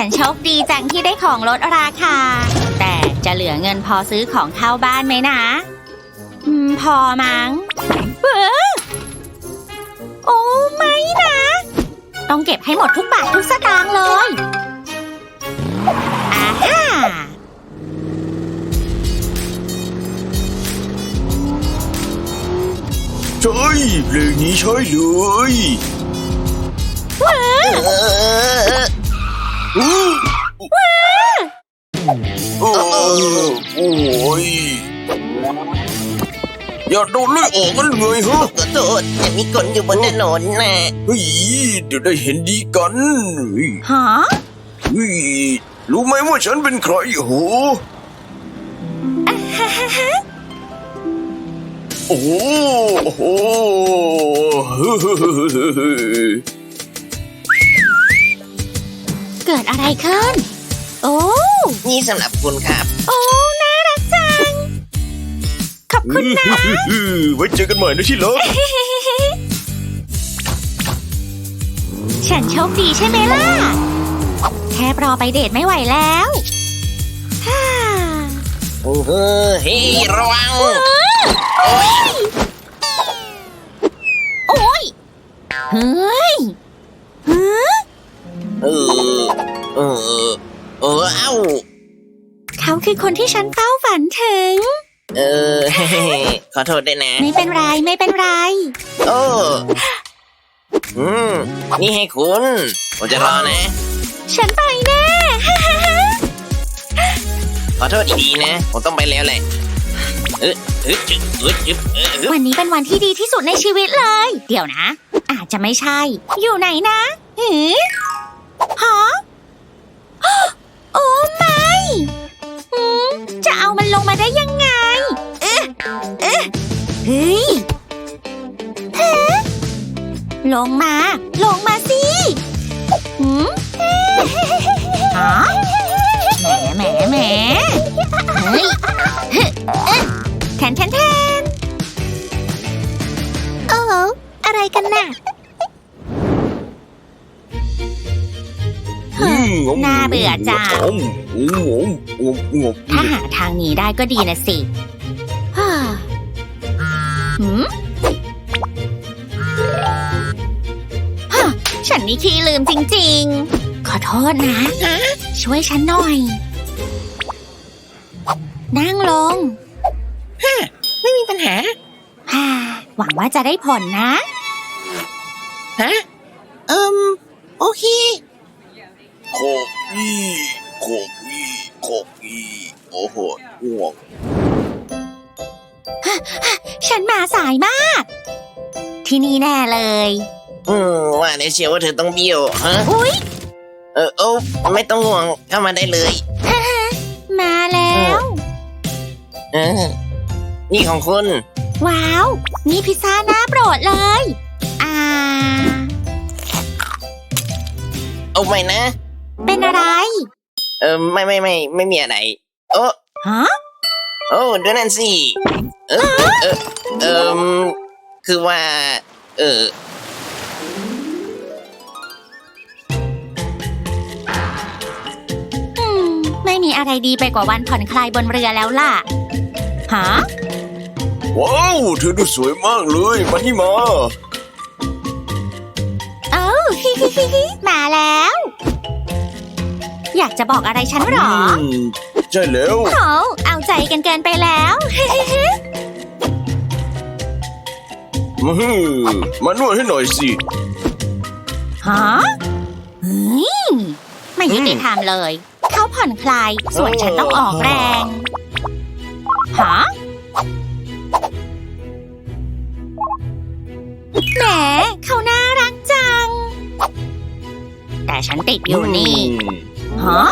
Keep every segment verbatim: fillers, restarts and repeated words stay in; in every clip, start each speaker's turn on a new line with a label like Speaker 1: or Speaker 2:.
Speaker 1: นโชคดีจังที่ได้ของลดราคาแต่จะเหลือเงินพอซื้อของเข้าบ้านไหมนะอืมพอมั้งเออโอ้ไม่นะต้องเก็บให้หมดทุกบาททุกสตางค์เลยอาฮ่า
Speaker 2: ใช่เพลงนี้ใช่เลย
Speaker 1: ว้าว้า
Speaker 2: โอ้โอ้ยอย่าโดนไล่ออกกันเลยฮะ
Speaker 3: ขอโทษยังมีคนอยู่บนถนนนะ
Speaker 2: เฮ้ยเดี๋ยวได้เห็นดีกันเฮ้ย
Speaker 1: ฮะ
Speaker 2: เฮ้ยรู้ไหมว่าฉันเป็นใครโหโอ้โหโอ้โห
Speaker 1: เกิดอะไรขึ้นโอ้
Speaker 3: นี่สำหรับคุณครับ
Speaker 1: โอ้น่ารักจังขอบคุณนะ
Speaker 2: ไว้เจอกันใหม่นะที่รัก
Speaker 1: ฉันโชคดีใช่ไหมล่ะแค่รอไปเดทไม่ไหวแล้วฮ่า
Speaker 3: โอ้โหเฮ้ยระวังโอ้ย
Speaker 1: โอ้ยเฮ้ยฮะ
Speaker 3: เออเออเออเอ้า
Speaker 1: เขาคือคนที่ฉันเฝ้าฝันถึง
Speaker 3: เออ ขอโทษด้วยนะ
Speaker 1: ไม่เป็นไรไม่เป็นไร
Speaker 3: โอ้อืมนี่ให้คุณผมจะรอนะ
Speaker 1: ฉันไปแน่
Speaker 3: ขอโทษดีๆนะผมต้องไปแล้วแหละเออเออจึ๊บเออจึ๊บเออเออ
Speaker 1: วันนี้เป็นวันที่ดีที่สุดในชีวิตเลย เดี๋ยวนะ อาจจะไม่ใช่ อยู่ไหนนะหือฮะโอ้ไม่หืมจะเอามันลงมาได้ยังไง เอ๊ะเอ๊ะเฮ้ยฮะลงมา ลงมาสิหืมฮะแหมแหมแหมเฮ้ยเฮ้ยเอ๊ะแทนแทนแทนโอ้โหอะไรกันน่ะ น่าเบื่อจัง ถ้าหาทางหนีได้ก็ดีนะสิฮ่าหืมฮ่าฉันนี่ขี้ลืมจริงๆ ขอโทษนะ ช่วยฉันหน่อย นั่งลง
Speaker 3: ไม่มีปัญหา
Speaker 1: ฮ่าหวังว่าจะได้ผลนะ
Speaker 3: ฮะเอิมโอเค
Speaker 2: โคกี้โคกี้โคกี้โอ้โหง่วง
Speaker 1: ฉันมาสายมาก ที่นี่แน่เลย
Speaker 3: อืมว่าในเชียวว่าเธอต้องเบี้ยวฮะ
Speaker 1: อุ๊ย
Speaker 3: เออโอ้ไม่ต้องห่วงเข้ามาได้เลย
Speaker 1: มาแล้ว
Speaker 3: เออนี่ของคุณ
Speaker 1: ว้าว นี่พิซซ่าหน้าโปรดเลย อ่า
Speaker 3: เอาไปนะ
Speaker 1: เป็นอะไร
Speaker 3: เออไม่ไม่ไม่ไม่มีอะไรโอ้
Speaker 1: ฮะ
Speaker 3: โอ้ดูนั่นสิเออเออเออคือว่า เออ
Speaker 1: อืม ไม่มีอะไรดีไปกว่าวันผ่อนคลายบนเรือแล้วล่ะ ฮะ
Speaker 2: ว้าวเธอดูสวยมากเลยมานี่มา
Speaker 1: เอ้า ฮิฮิฮิฮิมาแล้ว อยากจะบอกอะไรฉันหรอ
Speaker 2: อืมใช่แล้ว
Speaker 1: โหเอาใจกันเกินไปแล้วฮิฮิฮิ
Speaker 2: อืมมานวดให้หน่อยสิ
Speaker 1: ฮะเฮ้ยไม่ยุติธรรมเลย เขาผ่อนคลาย ส่วนฉันต้องออกแรง ฮะ แหมเขาน่ารักจัง แต่ฉันติดอยู่นี่ ฮะ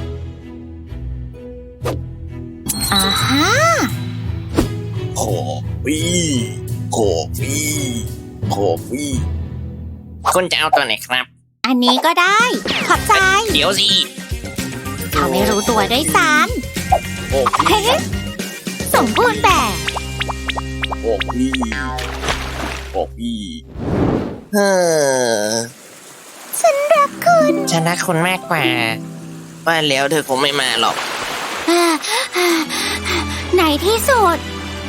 Speaker 1: อ่าฮะ
Speaker 2: ขอปี้ขอปี้ขอปี้
Speaker 3: คุณจะเอาตัวไหนครับ
Speaker 1: อันนี้ก็ได้ ขอบใจ
Speaker 3: เดี๋ยวสิ
Speaker 1: เขาไม่รู้ตัวด้วยซ้
Speaker 2: ขอ
Speaker 1: ำ
Speaker 2: ปี้
Speaker 1: เฮ้สมบูรณ์แบบ
Speaker 2: ขอปี้ขอปี้
Speaker 3: เฮ้อ
Speaker 1: ฉันรักคุณ
Speaker 3: ฉันรักคุณมากกว่าว่าแล้วเธอคงไม่มาหรอก
Speaker 1: ในที่สุด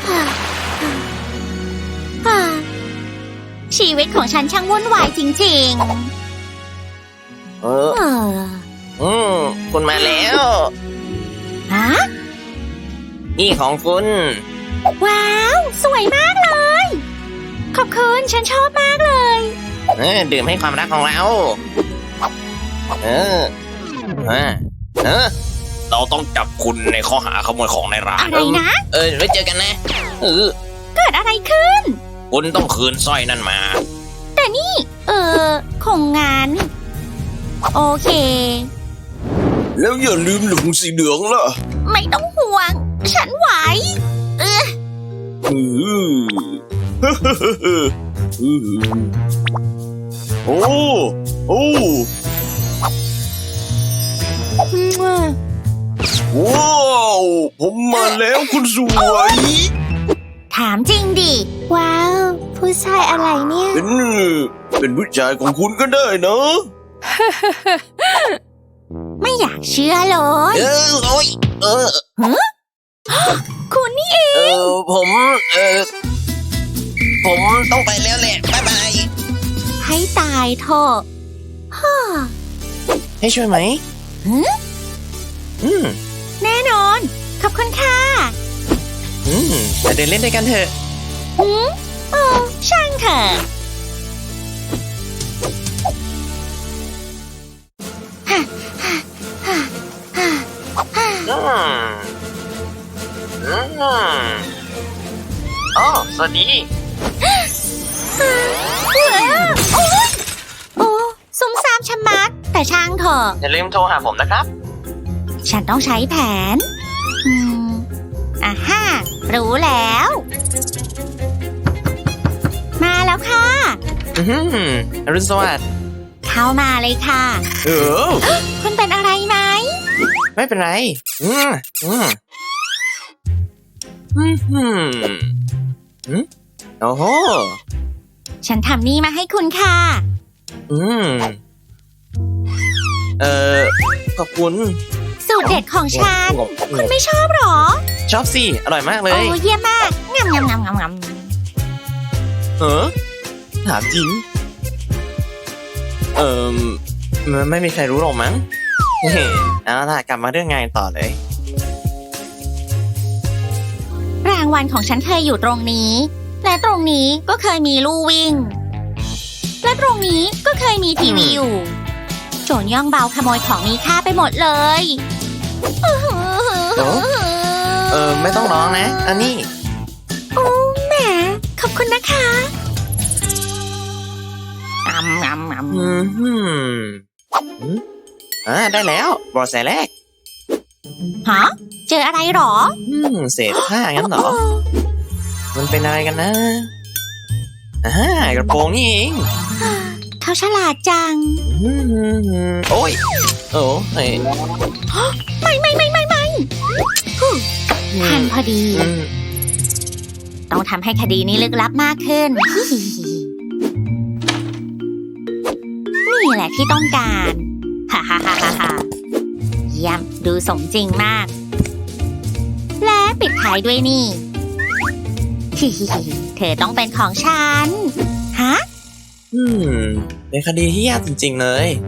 Speaker 1: ชีวิตของฉันช่างวุ่นวายจริง
Speaker 3: เออ
Speaker 1: ๆ เออ
Speaker 3: อืมคุณมาแล้ว
Speaker 1: ฮะ
Speaker 3: นี่ของคุณ
Speaker 1: ว้าว สวยมากเลย ขอบคุณฉันชอบมากเลย
Speaker 3: เออดื่มให้ความรักของเรา เออเออเออ
Speaker 2: เราต้องจับคุณในข้อหาขโมยของในร้าน
Speaker 1: อะไรนะ
Speaker 3: เออไว้เจอกันนะเออ
Speaker 1: เกิดอะไรขึ้น
Speaker 2: คุณต้องคืนสร้อยนั่นมา
Speaker 1: แต่นี่ เออคงงาน โอเค
Speaker 2: แล้วอย่าลืมหลุมสีเหลืองล่ะ
Speaker 1: ไม่ต้องห่วง ฉันไหว เออ
Speaker 2: อืออือโอ้โอ้ว้าวผมมาแล้วคุณสวย
Speaker 1: ถามจริงดิ ว้าว ผู้ชายอะไรเนี่ย
Speaker 2: เป็นเป็นผู้ชายของคุณก็ได้นะ
Speaker 1: ไม่อยากเชื่อเลย
Speaker 3: เออโอ้ยเออ
Speaker 1: คุณนี่เอง
Speaker 3: เออผมเออผมต้องไปแล้วแหละบ๊ายบาย
Speaker 1: ให้ตายเถอะฮ่า
Speaker 3: ให้ช่วยไหม
Speaker 1: หือ
Speaker 3: อืม
Speaker 1: แน่นอน ขอบคุณค่ะ
Speaker 3: อืมไปเดินเล่นด้วยกันเถอะ
Speaker 1: หืมโอ้ช่างเถอะฮ่าฮ่าฮ่าฮ่าฮ่า
Speaker 3: อืมอืมอ๋อสวัสดี
Speaker 1: ว้าวโอ้ยโอ้ซุ่มซ่ามชะมัด แต่ช่างเถอะ
Speaker 3: อย่าลืมโทรหาผมนะครับ
Speaker 1: ฉันต้องใช้แผน อืมอ่าฮ่ารู้แล้ว มาแล้วค่ะ
Speaker 3: อืมอรุณสวัสดิ์
Speaker 1: เข้ามาเลยค่ะ
Speaker 3: เออ
Speaker 1: คุณเป็นอะไรไหม
Speaker 3: ไม่เป็นไร อืมอืมอืมอืมอืมโอ้โห
Speaker 1: ฉันทำนี่มาให้คุณค่ะ
Speaker 3: อืมเอ่อขอบคุณ
Speaker 1: สูตรเด็ดของฉัน คุณไม่ชอบหรอ
Speaker 3: ชอบสิ อร่อยมากเล
Speaker 1: โอ้
Speaker 3: ย
Speaker 1: เยี่ยมมากงำงำงำงำง
Speaker 3: เออถามจริง เอ่อมันไม่มีใครรู้หรอกมั้ง เฮ้เอาล่ะกลับมาเรื่องงานต่อเลย
Speaker 1: ำรางวัลของฉันเคยอยู่ตรงนี้ และตรงนี้ก็เคยมีลู่วิ่ง และตรงนี้ก็เคยมีทีวีอยู่ โจรย่องเบาขโมยของมีค่าไปหมดเลย
Speaker 3: โอ้ เออไม่ต้องร้องนะ อันนี้
Speaker 1: โอ้แหมขอบคุณนะคะงำงำง
Speaker 3: อืมอืมอืมอ่าได้แล้วบอสแสแรก
Speaker 1: ำฮะ เจออะไรหรอ
Speaker 3: อืมเศษผ้างั้นเหรอ มันเป็นอะไรกันนะอ่ากระโปรงนี่เอง
Speaker 1: เขาฉลาดจัง
Speaker 3: อืมโอ้ย โอ้เฮ้ย
Speaker 1: ไม่ไม่ไม่ไม่ไม่ฮู้ทันพอดี
Speaker 3: อืม
Speaker 1: ต้องทำให้คดีนี้ลึกลับมากขึ้น นี่แหละที่ต้องการฮ่าฮ่าฮ่าฮ่าฮ่าเยี่ยมดูสมจริงมาก และปิดท้ายด้วยนี่ ฮิฮิฮิเธอต้องเป็นของฉัน ฮะ
Speaker 3: อืมเป็นคดีที่ยากจริงๆเลย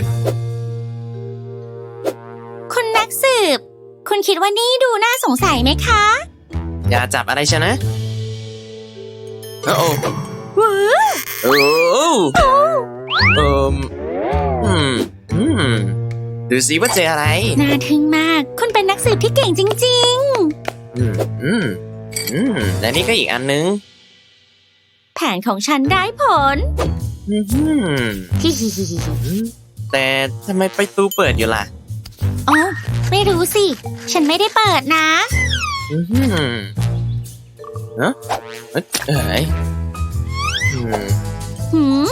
Speaker 1: คุณนักสืบ คุณคิดว่านี่ดูน่าสงสัยไหมคะ
Speaker 3: อย่าจับอะไรชนะโอ้โอ้
Speaker 1: ว้าว
Speaker 3: โอ้เอิมอืมอืมดูสิว่าเจออะไร
Speaker 1: น่าทึ่งมาก คุณเป็นนักสืบที่เก่งจริง
Speaker 3: อืมอืมอืมและนี่ก็อีกอันนึง
Speaker 1: ๆ แผนของฉันได้ผล
Speaker 3: อืม
Speaker 1: ฮิฮิฮิฮิ
Speaker 3: แต่ทำไมประตูเปิดอยู่ล่ะ
Speaker 1: อ๋อไม่รู้สิ ฉันไม่ได้เปิดนะ
Speaker 3: อืมเนอะเอ้ยเอ้ยอืม
Speaker 1: หืม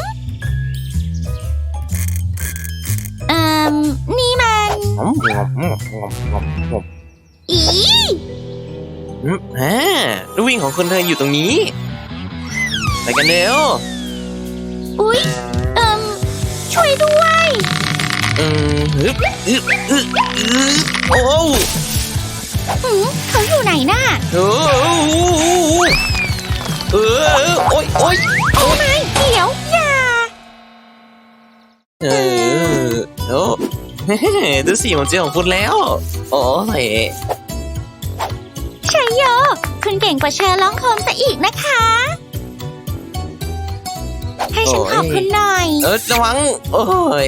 Speaker 1: เอ่มนี่มัน
Speaker 3: งอมงอมงอมงอมงอมงอม
Speaker 1: อี
Speaker 3: อืมฮะลูกวิ่งของคนเธออยู่ตรงนี้ไปกันเร็ว
Speaker 1: อุ๊ย เอ่มช่วยด้วย
Speaker 3: อืมฮึบอึบอึบอึบโอ้
Speaker 1: หืมเขาอยู่ไหนน่ะ
Speaker 3: เออเออโอ้ยโอ้ย
Speaker 1: โอ้ไม่เดี๋ยวอย่า
Speaker 3: เออโอ้ดูสิผมเจอของคุณแล้ว โอ้ย
Speaker 1: ชัยโย คุณเก่งกว่าเชอร์ล็อกโฮมซะอีกนะคะ ให้ฉันขอบคุณหน่อย
Speaker 3: เออระวังโอ้ย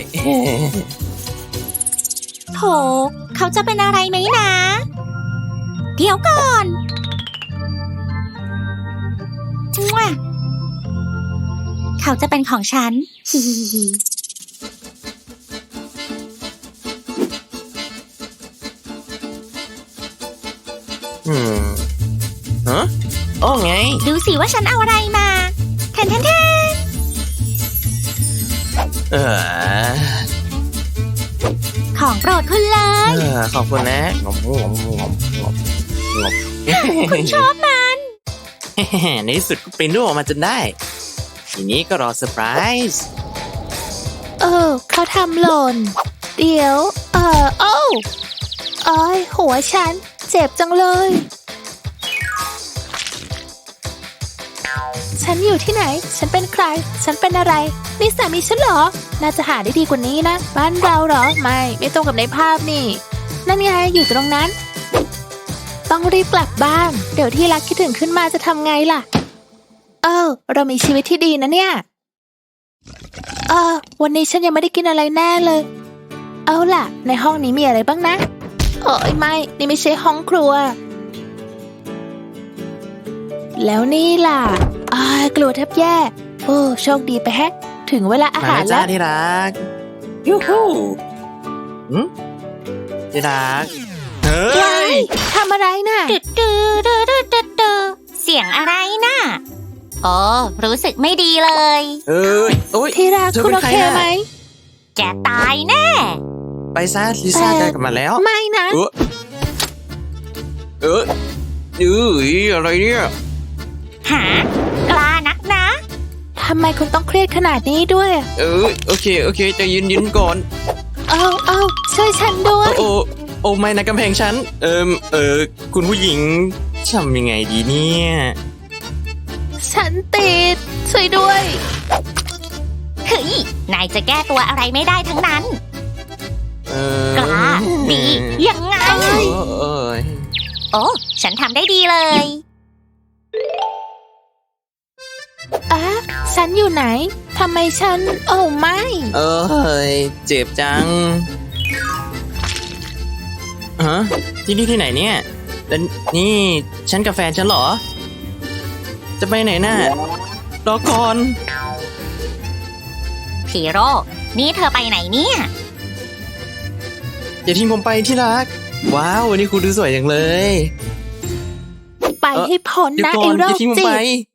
Speaker 1: โถเขาจะเป็นอะไรไหมนะ เดี๋ยวก่อนมั่วเขาจะเป็นของฉัน ฮิฮิฮิ
Speaker 3: อืมฮะโอ้ไง
Speaker 1: ดูสิว่าฉันเอาอะไรมาแทนแทนแทน
Speaker 3: เออ
Speaker 1: ของโปรดคุณเลย
Speaker 3: เออขอบคุณนะงอมงอมงอมงอมงอม
Speaker 1: คุณชอบมัน
Speaker 3: ในที่สุดก็ปริ้นรูปออกมาจนได้ ทีนี้ก็รอเซอร์ไพรส์
Speaker 4: เออเขาทำหล่น เดี๋ยว เออโอ้โอ้ยหัวฉัน เจ็บจังเลย ฉันอยู่ที่ไหน ฉันเป็นใคร ฉันเป็นอะไร นี่สามีฉันเหรอ น่าจะหาได้ดีกว่านี้นะ บ้านเราเหรอ ไม่ ไม่ตรงกับในภาพนี่ นั่นไงอยู่ตรงนั้น ต้องรีบกลับบ้าน เดี๋ยวที่รักคิดถึงขึ้นมาจะทำไงล่ะ เออ เรามีชีวิตที่ดีนะเนี่ย เออ วันนี้ฉันยังไม่ได้กินอะไรแน่เลย เอาล่ะ ในห้องนี้มีอะไรบ้างนะโอ้ยไม่ นี่ไม่ใช่ห้องครัว แล้วนี่ล่ะอ้ายกลัวแทบแย่ โอ้โชคดีไปแฮะ ถึงเวลาอา
Speaker 3: มา
Speaker 4: หาร
Speaker 3: แล้วจ้า
Speaker 4: แล้ว
Speaker 3: ที่รักยูฮูหืมที่รักเฮ้
Speaker 4: ยาย ยทำอะไรน่ะ
Speaker 1: ดึดดืดดืดดืดดืดดืดเสียงอะไรน่ะโอ้รู้สึกไม่ดีเลย
Speaker 3: เอ้ยโอ้ย
Speaker 4: ที่รัก
Speaker 3: เธอ
Speaker 4: คุณ
Speaker 3: เป็น
Speaker 4: โอ
Speaker 3: ใคร
Speaker 4: เค
Speaker 3: น่ะ
Speaker 4: ไหม
Speaker 1: แกตายแน่
Speaker 3: ไปซะลิซ่า
Speaker 4: เอ่อ
Speaker 3: ใกล้กลับมาแล้ว
Speaker 4: ไม่นะ
Speaker 3: เออเออเอออะไรเนี่ย
Speaker 1: หากล้านักนะ
Speaker 4: ทำไมคุณต้องเครียดขนาดนี้ด้วย
Speaker 3: เออโอเคโอเคใจะยืนยืนก่อน
Speaker 4: เอาเอาช่วยฉันด้ว
Speaker 3: โอ้
Speaker 4: ย
Speaker 3: โอ้โอ้ไม่นะกำแพงฉันเอิมเออคุณผู้หญิงทำยังไงดีเนี่ย
Speaker 4: ฉันติด ช่วยด้วย
Speaker 1: เฮ้ย นายจะแก้ตัวอะไรไม่ได้ทั้งนั้น
Speaker 3: เออก
Speaker 1: ล้าดียังไง
Speaker 3: เอ้ยเอ้ย
Speaker 1: โอ้ ฉันทำได้ดีเลย
Speaker 4: อ่ะฉันอยู่ไหน ทำไมฉัน โอ้ไม่
Speaker 3: เอ้ยเจ็บจังฮะที่นี่ที่ไหนเนี่ยแล้วนี่ฉันกับแฟนฉันเหรอ จะไปไหนน่ะรอก่อน
Speaker 1: พีโร่ นี่เธอไปไหนเนี่ย
Speaker 3: อย่าทิ้งผมไปที่รัก ว้าววันนี้คุณดูสวยจังเลย
Speaker 4: ไปให้พ้น
Speaker 3: เดี๋ยว
Speaker 4: นะ
Speaker 3: ก่อ
Speaker 4: ไอ้
Speaker 3: น
Speaker 4: โร
Speaker 3: อย่า
Speaker 4: ค
Speaker 3: ทิ้งผม
Speaker 4: จิ
Speaker 3: ไป
Speaker 4: ต